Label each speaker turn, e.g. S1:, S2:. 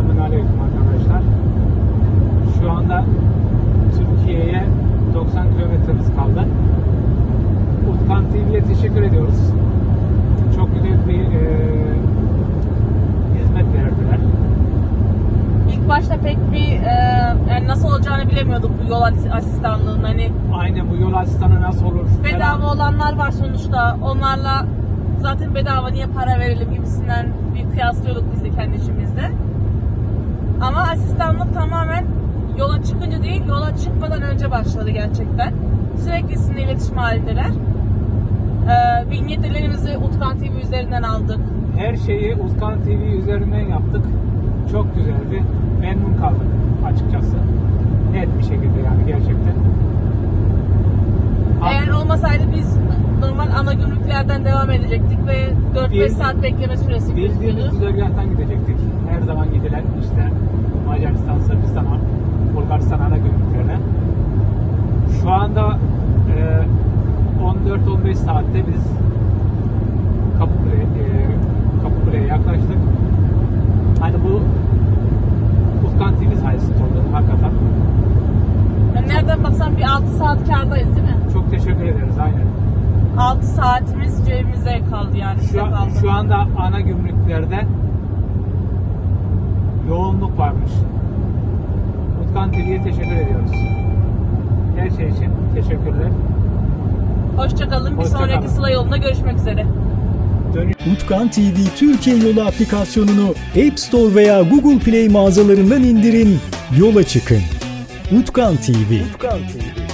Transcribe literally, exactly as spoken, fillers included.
S1: Selamünaleyküm arkadaşlar. Şu anda Türkiye'ye doksan kilometremiz kaldı. Utkan T V'ye teşekkür ediyoruz. Çok güzel bir e, hizmet verdiler.
S2: İlk başta pek bir e, yani nasıl olacağını bilemiyorduk bu yol asistanlığının. Hani
S1: Aynen, bu yol asistanı nasıl olur?
S2: bedava
S1: falan.
S2: olanlar var sonuçta. Onlarla zaten bedava, niye para verelim gibisinden bir kıyaslıyorduk biz de kendi içimizde. Ama asistanlık tamamen yola çıkınca değil, yola çıkmadan önce başladı gerçekten. Sürekli sizinle iletişim halindeler. Ee, vinyetlerimizi Utkan T V üzerinden aldık.
S1: Her şeyi Utkan T V üzerinden yaptık. Çok güzeldi. Memnun kaldık açıkçası. Net bir şekilde yani, gerçekten.
S2: Eğer olmasaydı biz normal ana gümrüklerden devam edecektik ve dört beş
S1: Bil-
S2: saat bekleme süresi
S1: Bildiğimiz
S2: gözüküyordu.
S1: güzergahtan gidecektik. Her zaman gidilen işte Macaristan, Sırbistan, Bulgaristan ana gümrüklerine. Şu anda e, on dört on beş saatte biz Kapıkule, e, Kapıkule'ye yaklaştık. Hani bu Utkan T V sayesinde oldu hakikaten.
S2: Yani nereden baksan bir altı saat kârdayız değil mi?
S1: Çok teşekkür ederiz, aynen.
S2: altı saatimiz cebimize kaldı yani, bize
S1: Şu, an-
S2: kaldı.
S1: şu anda ana gümrüklerde yoğunluk varmış. Utkan T V'ye teşekkür ediyoruz. Her şey için teşekkürler.
S2: Hoşçakalın. Bir
S1: Hoşça
S2: sonraki
S1: kalın.
S2: Sıla yolunda görüşmek üzere.
S1: Dönüş
S3: Utkan T V Türkiye Yolu aplikasyonunu App Store veya Google Play mağazalarından indirin, yola çıkın. Utkan T V. Utkan T V.